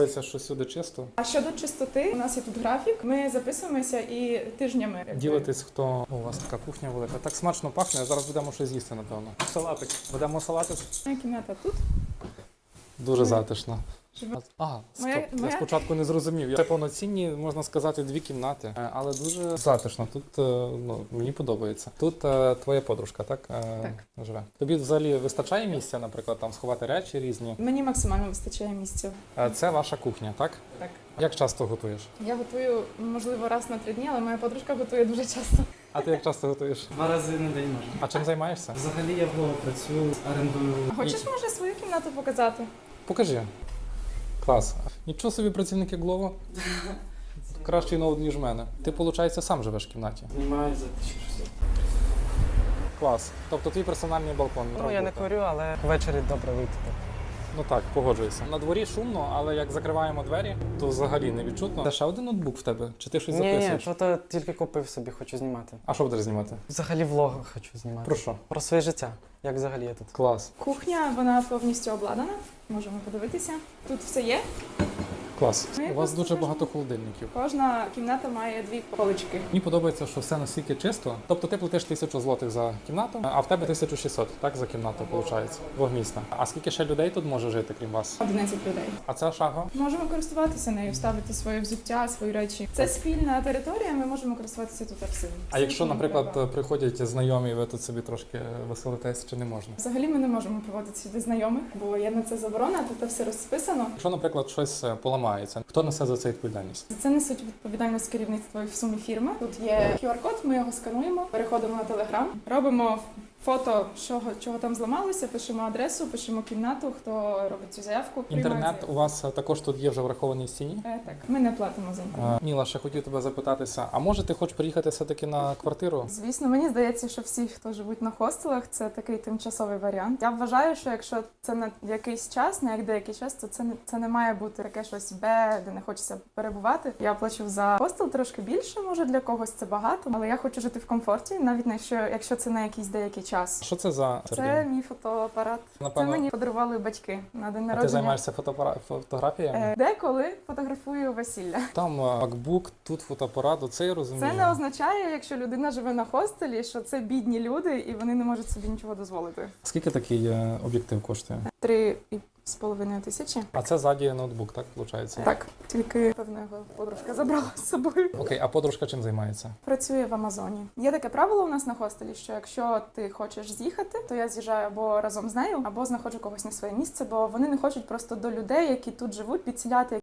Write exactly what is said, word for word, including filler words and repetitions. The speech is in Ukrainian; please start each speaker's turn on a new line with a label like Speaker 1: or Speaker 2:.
Speaker 1: Це що сюди чисто.
Speaker 2: А щодо чистоти, у нас є тут графік. Ми записуємося і тижнями. якби.
Speaker 1: Ділитесь, хто у вас така кухня велика. Так смачно пахне, зараз будемо щось їсти, напевно. Салатик. Будемо салатик.
Speaker 2: Моя кімната тут.
Speaker 1: Дуже затишно.
Speaker 2: Живе.
Speaker 1: А, стоп.
Speaker 2: Моя-
Speaker 1: Я
Speaker 2: моя-
Speaker 1: спочатку не зрозумів. Це повноцінні, можна сказати, дві кімнати, Е, але дуже затишно. Тут е, ну, мені подобається. Тут е, твоя подружка, так? Е,
Speaker 2: Так.
Speaker 1: Живе. Тобі взагалі вистачає місця, наприклад, там сховати речі різні.
Speaker 2: Мені максимально вистачає місця.
Speaker 1: Е, Це ваша кухня, так?
Speaker 2: Так.
Speaker 1: Як часто готуєш?
Speaker 2: Я готую, можливо, раз на три дні, але моя подружка готує дуже часто.
Speaker 1: А ти як часто готуєш?
Speaker 3: Два рази на день можна.
Speaker 1: А чим займаєшся?
Speaker 3: Взагалі я вдома працюю, орендую.
Speaker 2: А хочеш, може, свою кімнату показати?
Speaker 1: Покажи. Клас. Нічого собі працівники Глово. Кращий ноут, ніж в мене. Ти, виходить, сам живеш в кімнаті.
Speaker 3: Знімаю за тисячу шістсот.
Speaker 1: Клас. Тобто твій персональний балкон.
Speaker 3: Ну я не курю, але ввечері добре вийти.
Speaker 1: Ну так, погоджуюся. На дворі шумно, але як закриваємо двері, то взагалі не відчутно. Це ще один ноутбук в тебе? Чи ти щось
Speaker 3: Ні, ні,
Speaker 1: записуєш?
Speaker 3: що то тільки купив собі, хочу знімати.
Speaker 1: А що будеш знімати?
Speaker 3: Взагалі влог хочу знімати.
Speaker 1: Про що?
Speaker 3: Про своє життя. Як взагалі я тут.
Speaker 1: Клас.
Speaker 2: Кухня, вона повністю обладнана. Можемо подивитися. Тут все є.
Speaker 1: Клас.
Speaker 2: Ну, я
Speaker 1: У вас
Speaker 2: просто
Speaker 1: дуже
Speaker 2: кажу.
Speaker 1: багато холодильників.
Speaker 2: Кожна кімната має дві полички.
Speaker 1: Мені подобається, що все настільки чисто. Тобто ти платиш тисячу злотих за кімнату, а в тебе тисячу шістсот, так, за кімнату, виходить, двохмісна. А скільки ще людей тут може жити, крім вас?
Speaker 2: одинадцять людей.
Speaker 1: А ця шага?
Speaker 2: Можемо користуватися нею, ставити своє взуття, свої речі. Це спільна територія, ми можемо користуватися тут всім.
Speaker 1: А якщо,
Speaker 2: Всім
Speaker 1: наприклад,
Speaker 2: треба.
Speaker 1: приходять знайомі, ви тут собі трошки веселитесь, чи не можна?
Speaker 2: Взагалі ми не можемо проводити сюди знайомих, бо є на це заборона, тут все розписано.
Speaker 1: Якщо, наприклад, щось е, поламається, хто несе за це відповідальність?
Speaker 2: За це несуть відповідальність керівництво і в сумі фірми. Тут є кю ар-код, ми його скануємо, переходимо на Телеграм, робимо фото, чого, чого там зламалося, пишемо адресу, пишемо кімнату, хто робить цю заявку. приймає
Speaker 1: Інтернет
Speaker 2: заявку.
Speaker 1: у вас е, також тут є вже врахований в ціні?
Speaker 2: Е, Так, ми не платимо за інтернет.
Speaker 1: Е, Міла, ще хотів тебе запитатися, а може ти хочеш приїхати все-таки на квартиру?
Speaker 2: Звісно, мені здається, що всі, хто живуть на хостелах, це такий тимчасовий варіант. Я вважаю, що якщо це на якийсь час, на як деякий час, то це не це не має бути таке щось бе, де не хочеться перебувати. Я плачу за хостел трошки більше, може для когось це багато, але я хочу жити в комфорті, навіть якщо, якщо це на якийсь деякий час.
Speaker 1: Що це за
Speaker 2: Це мій фотоапарат.
Speaker 1: Напевно-
Speaker 2: Це мені подарували батьки на день
Speaker 1: А
Speaker 2: народження.
Speaker 1: ти займаєшся фотоапара- фотографіями?
Speaker 2: Е, Деколи фотографую весілля.
Speaker 1: Там е, MacBook, тут фотоапарат, оце я розумію.
Speaker 2: Це не означає, якщо людина живе на хостелі, що це бідні люди і вони не можуть собі нічого дозволити.
Speaker 1: Скільки такий е, об'єктив коштує?
Speaker 2: Три і з половиною тисячі.
Speaker 1: А це ззаді ноутбук, так, виходить?
Speaker 2: Так, тільки певно його подружка забрала з собою.
Speaker 1: Окей, а подружка чим займається?
Speaker 2: Працює в Амазоні. Є таке правило у нас на хостелі, що якщо ти хочеш з'їхати, то я з'їжджаю або разом з нею, або знаходжу когось на своє місце, бо вони не хочуть просто до людей, які тут живуть, підселяти